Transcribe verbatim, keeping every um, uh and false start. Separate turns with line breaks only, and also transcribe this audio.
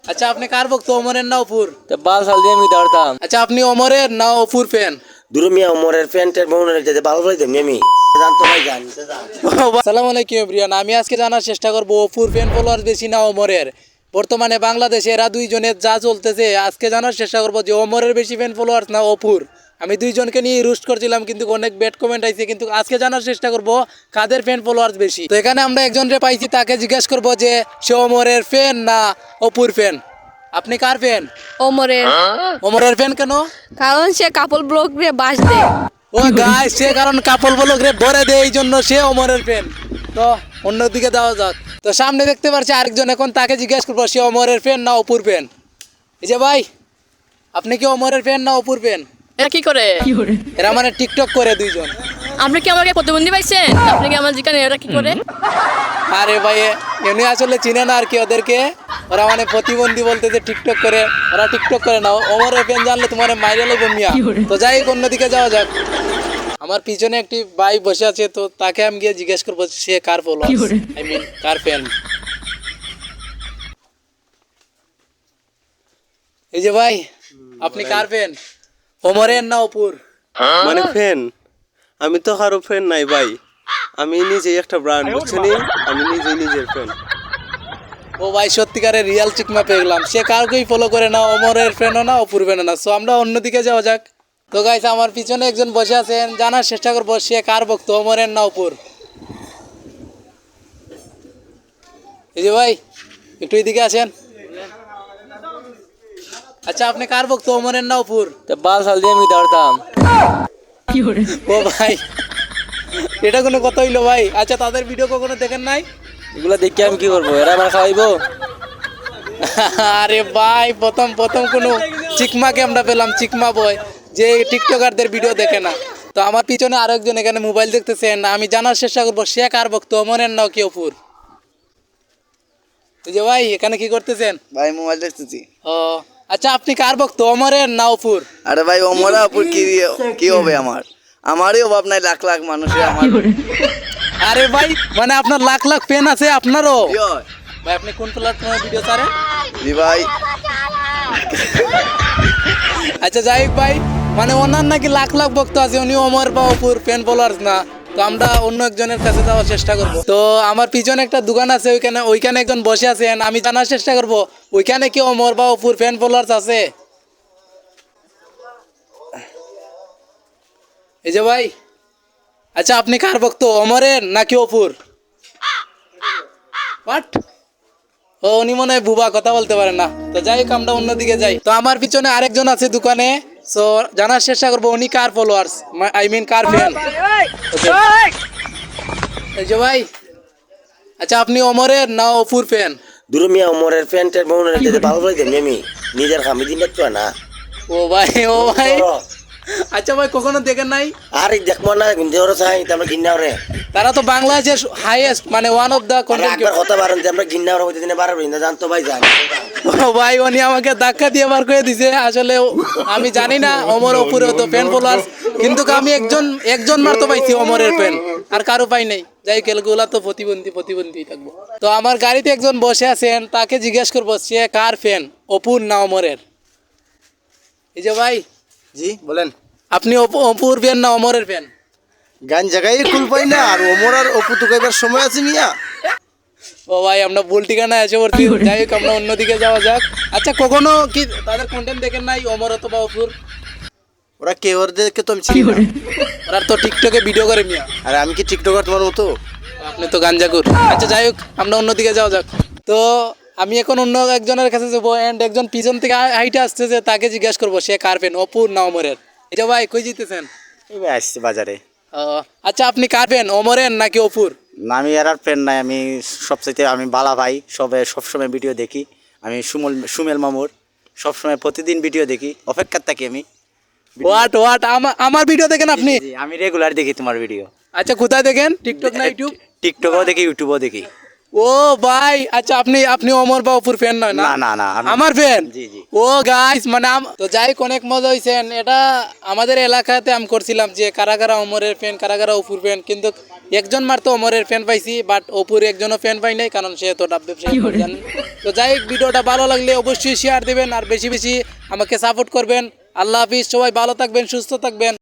আচ্ছা আপনি কার ভক্ত, ওমরের না অপুর?
তো বাল সাল দিয়ে আমি ধরতাম।
আচ্ছা আপনি ওমরের না অপুর ফ্যান?
দুরুমিয়া ওমরের প্যান্টের বউনের যেতে ভালো লাগে আমি জানতো ভাই জানি
আসসালামু আলাইকুম এভরিওয়ান, আমি আজকে জানার চেষ্টা করবো অপুর ফ্যান ফলোয়ার বেশি না ওমরের। বর্তমানে বাংলাদেশে এরা দুইজনের যা চলতেছে, আজকে জানার চেষ্টা করবো যে ওমরের বেশি ফ্যান ফলোয়ার না অপুর। আমি দুইজনকে নিয়ে রুস্ট করছিলাম কিন্তু অনেক ব্যাড কমেন্ট আইছে, কিন্তু আজকে জানার চেষ্টা করবো কাদের ফ্যান ফলোয়ার বেশি। তো এখানে আমরা একজনকে পাইছি, তাকে জিজ্ঞেস করবো যে সে ওমরের ফ্যান না অপুর ফ্যান। আপনি কার ফ্যান?
ওমরের।
ওমরের ফ্যান কেন?
কারণ সে কাপল ব্লগ রে বাস দেয়।
ও গাইস, সে কারণ কাপল বলক রে ভরে দেয়, এই জন্য সে ওমরের ফ্যান। তো অন্যদিকে দেওয়া যাক। তো সামনে দেখতে পাচ্ছি আরেকজন, এখন তাকে জিজ্ঞেস করবো সে ওমরের ফ্যান না অপুর ফ্যান। এই যে ভাই, আপনি কি ওমরের ফ্যান না অপুর ফ্যান?
এরা কি করে?
এরা মানে টিকটক করে দুইজন।
আপনি কি আমাকে প্রতিবন্ধী পাইছেন? আপনি কি আমার জিজ্ঞাসা এরা কি করে?
আরে ভাই, এমনি আসলে চিনে না আর কি ওদেরকে। ওরা মানে প্রতিবন্ধী বলতে যে টিকটক করে, ওরা টিকটক করে না। ওমরের ফ্যান জানলে তোমার মাইরে লাগবে মিয়া। তো যাই হোক, অন্যদিকে যাওয়া যাক। আমার পিছনে একটি ভাই বসে আছে, তো তাকে আমি গিয়ে জিজ্ঞেস করবো সে কার ফলোয়ার, আই মিন কার ফ্যান। এই যে ভাই, আপনি কার ফ্যান, ওমরের না অপুর?
মানে ফ্যান? আমি তো কারো ফ্যান নাই ভাই, আমি নিজেই একটা ব্র্যান্ড, বুঝছেন? আমি নিজেই নিজের ফ্যান।
ও ভাই, সত্যিকারের রিয়াল চিকমা পেয়ে গেলাম। সে কাউকেই ফলো করে না, ওমরের ফ্যানও না অপুর ফ্যানও না। সো আমরা অন্যদিকে যাওয়া যাক। তো গাইস, আমার পিছনে একজন বসে আছেন, জানার চেষ্টা করবো সে কার ভক্ত, ওমরের না অপুর। এই যে ভাই, একটু এদিকে আসেন। আচ্ছা আপনি কার ভক্ত, ওমরের না অপুর?
তো বাল সাল দিয়ে আমি ধরতাম।
ও ভাই, এটা কোনো কথা হইলো ভাই? আচ্ছা তাদের ভিডিও কখনো দেখেন নাই?
এগুলা দেখে আমি কি করবো? এরা আমার খাওয়াইবো?
আরে ভাই, প্রথম প্রথম কোনো চিকমাকে আমরা পেলাম, চিকমা বয়, যে টিকটকারদের ভিডিও দেখে না। তো আমার পিছনে আরেকজন এখানে মোবাইল দেখতেছেন, আমি জানার চেষ্টা করবো সে কার ভক্ত, ওমরের না কি অপুর। এই যে ভাই, এখানে কি করতেছেন?
ভাই মোবাইল দেখতেছি।
ও আচ্ছা, আপনি কার ভক্ত, ওমরের না অপুর?
আরে ভাই ওমরা আপুর কি কি হবে? আমার আমারই অভাব নাই, লাখ লাখ মানুষের আমার।
আরে ভাই, মানে আপনার লাখ লাখ ফ্যান আছে আপনারও?
কি হয়?
ভাই আপনি কোন প্ল্যাটফর্মে ভিডিও ছাড়েন?
জি ভাই।
আচ্ছা যাই হোক ভাই, মানে ওনার নাকি লাখ লাখ ভক্ত আছে, উনি ওমর বা অপুর ফ্যান ফলোয়ার্স না। তো আমরা অন্য একজনের কাছে যাওয়ার চেষ্টা করব। তো আমার পিছনে একটা দোকান আছে, ওইখানে ওইখানে একজন বসে আছেন, আমি জানার চেষ্টা করব ওইখানে কি ওমর বা অপুর ফ্যান ফলোয়ার্স আছে। এই যে ভাই, আচ্ছা আপনি কার ভক্ত, ওমরের নাকি অপুর? হোয়াট? ও উনি মনে হয় বুবা, কথা বলতে পারে না। তো যাই হোক, আমরা অন্যদিকে যাই। তো আমার পিছনে আরেকজন আছে দোকানে, সো জানার চেষ্টা করবো উনি কার ফলোয়ার্স, আই মিন কার ফ্যান। এই যে ভাই, আচ্ছা আপনি ওমরের না অপুর ফ্যান?
দুরুমিয়া ওমরের প্যান্টের বউনের যেতে ভালো লাগে আমি নিজের খামি দিন দেখতো না।
ও ভাই, ও ভাই, আচ্ছা ভাই কখনো দেখেন নাই?
আর দেখবো না কিন্তু ওরা চাই আমরা ঘিন্না ওরে
তারা তো বাংলাদেশের হাইয়েস্ট, মানে ওয়ান অফ দ্য কন্টেন্ট।
একবার কথা বারেন যে আমরা ঘিন্না ওরা হইতে দিনে বারো না, জানতো ভাই জানি।
ও ভাই, উনি আমাকে ধাক্কা দিয়ে বার করে দিছে। আসলে আমি জানি না ওমর অপুর তো ফ্যান ফলোয়ার্স, কিন্তু আমি একজন একজন মাত্র পাইছি ওমরের ফ্যান, আর কারো পাই নাই। যাই কেলগুলা তো প্রতিবন্ধী প্রতিবন্ধী থাকবো। তো আমার গাড়িতে একজন বসে আছেন, তাকে জিজ্ঞেস করবো সে কার ফ্যান, অপুর না ওমরের। এই যে ভাই,
জি বলেন।
আপনি অপু- অপুর ফ্যান না ওমরের ফ্যান?
গান জায়গায় কুল পাই না, আর ওমর আর অপু তো কইবার সময় আছে মিয়া।
ও ভাই, আমরা ভুল ঠিকানায় এসে পড়ছি। যাই হোক, আমরা অন্যদিকে যাওয়া যাক। আচ্ছা কখনো কি তাদের কন্টেন্ট দেখেন নাই, ওমর অথবা অপুর?
ওরা কে? ওদেরকে তো আমি চিনি না।
ওরা তো টিকটকে ভিডিও করে মিয়া।
আরে আমি কি টিকটকার তোমার মতো?
আপনি তো গাঞ্জাকুর। আচ্ছা যাই হোক, আমরা অন্যদিকে যাওয়া যাক। তো আমি এখন অন্য একজনের কাছে যাবো, অ্যান্ড একজন পিছন থেকে হাইটে আসতেছে, তাকে জিজ্ঞেস করবো সে কার ফ্যান, অপুর না ওমরের। এটা ভাই কই জিতেছেন?
এই আসছে বাজারে।
ও, আচ্ছা আপনি কার ফ্যান, ওমরের নাকি অপুর?
না, আমি এর আর ফ্রেন্ড নাই, আমি সবচাইতে আমি বালা ভাই, সবে সবসময় ভিডিও দেখি। আমি সুমল সুমেল মামুর সবসময় প্রতিদিন ভিডিও দেখি, অপেক্ষার থাকি আমি।
হোয়াট হোয়াট আমার আমার ভিডিও দেখেন আপনি?
জি, আমি রেগুলার দেখি তোমার ভিডিও।
আচ্ছা কোথায় দেখেন, টিকটক না ইউটিউব?
টিকটকও দেখি, ইউটিউবও দেখি।
ও ভাই, আচ্ছা আপনি আপনি ওমর বা অপুর ফ্যান নয় না?
না না না, আমি-
আমার ফ্যান।
জি জি।
ও গাইস, মানে আম- তো যাই হোক, অনেক মজা হয়েছেন। এটা আমাদের এলাকাতে আমি করছিলাম যে কারা কারা ওমরের ফ্যান, কারা কারা অপুর ফ্যান, কিন্তু একজন মাত্র অমরের ফ্যান পাইছি, বাট অপুর একজনও ফ্যান পাই নাই, কারণ সে তো ডাব ব্যবসায়ী জানেন। তো যাই হোক, ভিডিওটা ভালো লাগলে অবশ্যই শেয়ার দেবেন আর বেশি বেশি আমাকে সাপোর্ট করবেন। আল্লাহ হাফিজ, সবাই ভালো থাকবেন, সুস্থ থাকবেন।